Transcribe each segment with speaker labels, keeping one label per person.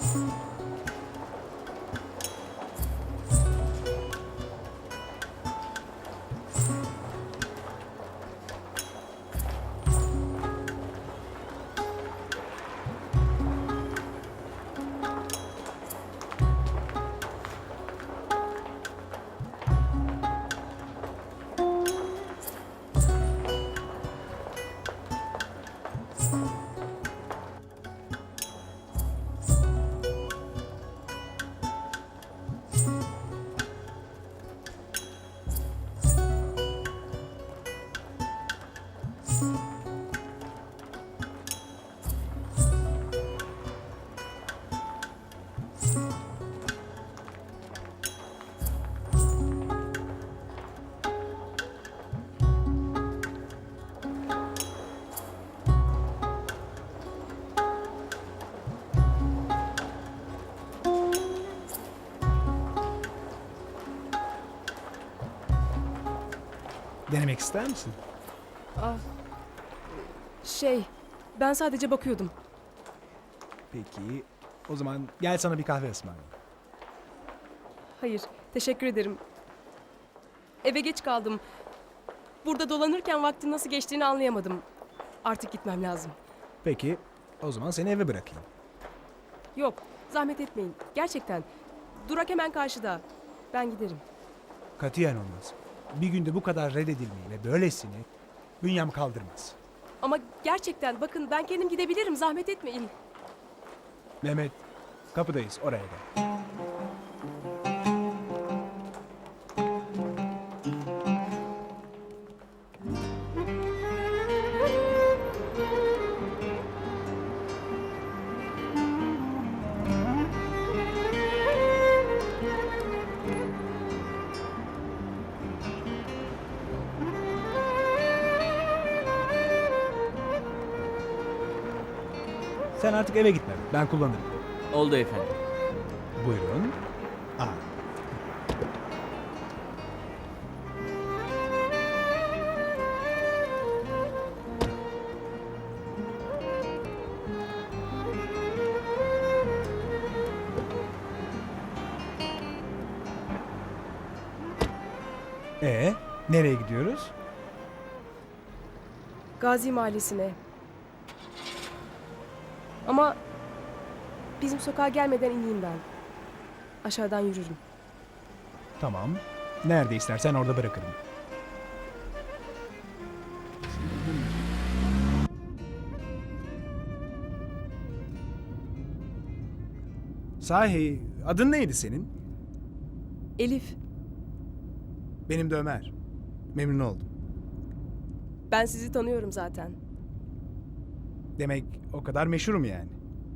Speaker 1: Denemek ister misin?
Speaker 2: Ben sadece bakıyordum.
Speaker 1: Peki, o zaman gel sana bir kahve ısmarlayayım.
Speaker 2: Hayır, teşekkür ederim. Eve geç kaldım. Burada dolanırken vaktin nasıl geçtiğini anlayamadım. Artık gitmem lazım.
Speaker 1: Peki, o zaman seni eve bırakayım.
Speaker 2: Yok, zahmet etmeyin. Gerçekten. Durak hemen karşıda. Ben giderim.
Speaker 1: Katiyen olmaz. Bir günde bu kadar reddedilmeyi ve böylesini bünyem kaldırmaz.
Speaker 2: Ama gerçekten bakın ben kendim gidebilirim. Zahmet etmeyin.
Speaker 1: Mehmet, kapıdayız, oraya gel. Sen artık eve gitme, ben kullanırım.
Speaker 3: Oldu efendim.
Speaker 1: Buyurun. Aa. Nereye gidiyoruz?
Speaker 2: Gazi Mahallesi'ne. Ama bizim sokağa gelmeden ineyim ben. Aşağıdan yürürüm.
Speaker 1: Tamam. Nerede istersen orada bırakırım. Sahi, adın neydi senin?
Speaker 2: Elif,
Speaker 1: Benim de Ömer. Memnun oldum.
Speaker 2: ben sizi tanıyorum zaten.
Speaker 1: Demek o kadar meşhurum yani.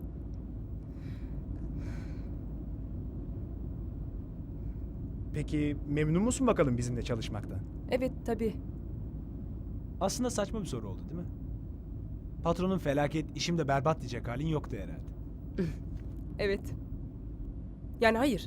Speaker 1: Peki memnun musun bakalım bizimle çalışmaktan?
Speaker 2: Evet, tabii.
Speaker 1: Aslında saçma bir soru oldu değil mi? Patronun felaket, işim de berbat diyecek halin yoktu herhalde.
Speaker 2: Evet. Yani hayır.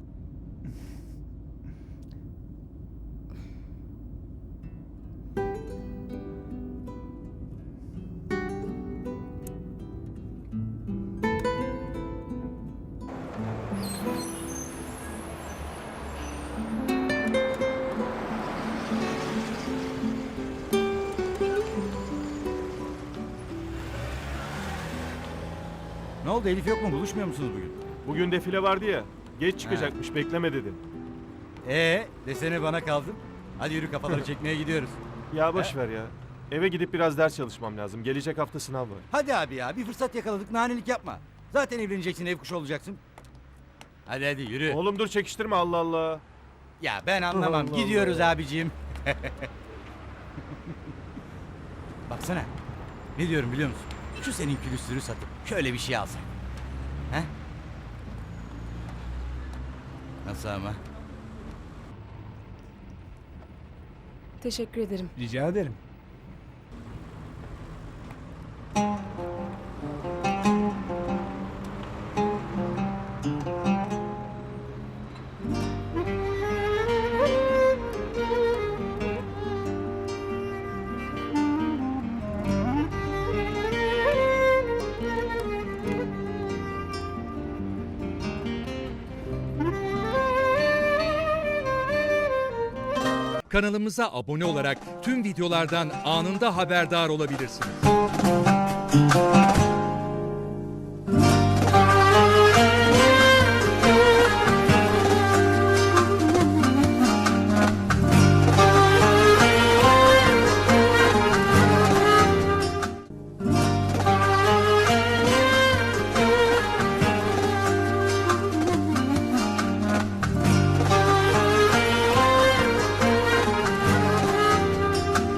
Speaker 4: Ne oldu, Elif yok mu? Buluşmuyor musunuz bugün?
Speaker 5: Bugün defile vardı ya. Geç çıkacakmış, bekleme dedim.
Speaker 4: Desene bana kaldın. Hadi yürü, kafaları çekmeye gidiyoruz.
Speaker 5: Ya boş ver ya. Eve gidip biraz ders çalışmam lazım. Gelecek hafta sınav var.
Speaker 4: Hadi abi ya, bir fırsat yakaladık, nanelik yapma. Zaten evleneceksin, ev kuşu olacaksın. Hadi yürü.
Speaker 5: Oğlum dur çekiştirme, Allah Allah.
Speaker 4: Ya ben anlamam,
Speaker 5: Allah
Speaker 4: gidiyoruz
Speaker 5: Allah.
Speaker 4: abiciğim. Baksana, ne diyorum biliyor musun? Şu senin külüstürü satıp şöyle bir şey alsak. He? Nasıl ama?
Speaker 2: Teşekkür ederim.
Speaker 1: Rica ederim.
Speaker 3: Kanalımıza abone olarak tüm videolardan anında haberdar olabilirsiniz.